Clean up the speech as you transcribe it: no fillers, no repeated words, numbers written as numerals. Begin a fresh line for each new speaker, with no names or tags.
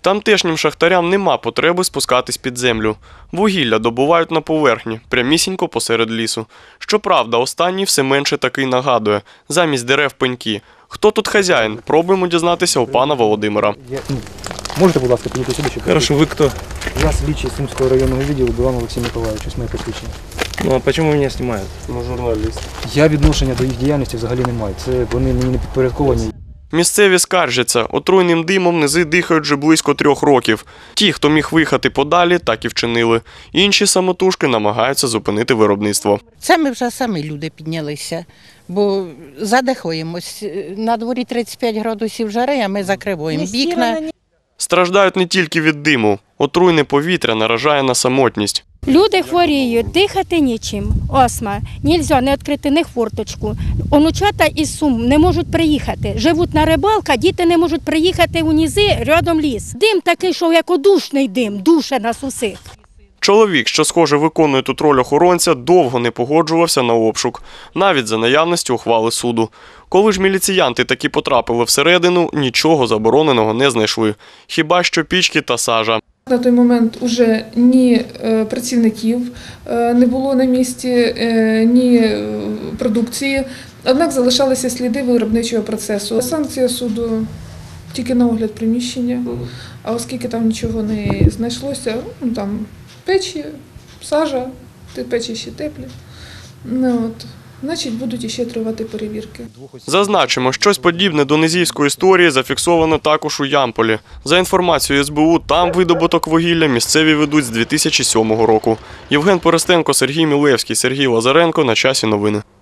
Тамтешнім шахтарям нема потреби спускатись під землю. Вугілля добувають на поверхні, прямісінько посеред лісу. Щоправда, останній все менше таки нагадує – замість дерев пеньки. Хто тут хазяїн? Пробуємо дізнатися у пана Володимира.
Можете, будь ласка, підійти сюди?
Хорошо, ви хто?
Я слідчий Сумського районного відділу Білан Олексій Миколайович, ось моє посвідчення.
Ну а чому мене знімають?
Ну, журналіст.
Я відношення до їх діяльності взагалі не маю. Це вони мені не підпорядковані.
Місцеві скаржаться, отруйним димом низи дихають вже близько 3 років. Ті, хто міг виїхати подалі, так і вчинили. Інші самотужки намагаються зупинити виробництво.
Це ми вже самі люди піднялися, бо задихаємось. На дворі 35 градусів жари, а ми закриваємо вікна.
Страждають не тільки від диму. Отруйне повітря наражає на самотність.
Люди хворіють, дихати нічим, астма, нельзя не відкрити ні форточку. Онучата із Сум не можуть приїхати, живуть на рибалках, діти не можуть приїхати у низи, рядом ліс. Дим такий, що як одушний дим, душе нас усіх.
Чоловік, що, схоже, виконує тут роль охоронця, довго не погоджувався на обшук, навіть за наявності ухвали суду. Коли ж міліціянти таки потрапили всередину, нічого забороненого не знайшли. Хіба що пічки та сажа.
На той момент уже ні працівників не було на місці, ні продукції, однак залишалися сліди виробничого процесу. Санкція суду тільки на огляд приміщення, а оскільки там нічого не знайшлося, там печі, сажа, печі ще теплі, значить будуть іще тривати перевірки.
Зазначимо, щось подібне до низівської історії зафіксовано також у Ямполі. За інформацією СБУ, там видобуток вугілля місцеві ведуть з 2007 року. Євген Поростенко, Сергій Мілевський, Сергій Лазаренко. На часі новини.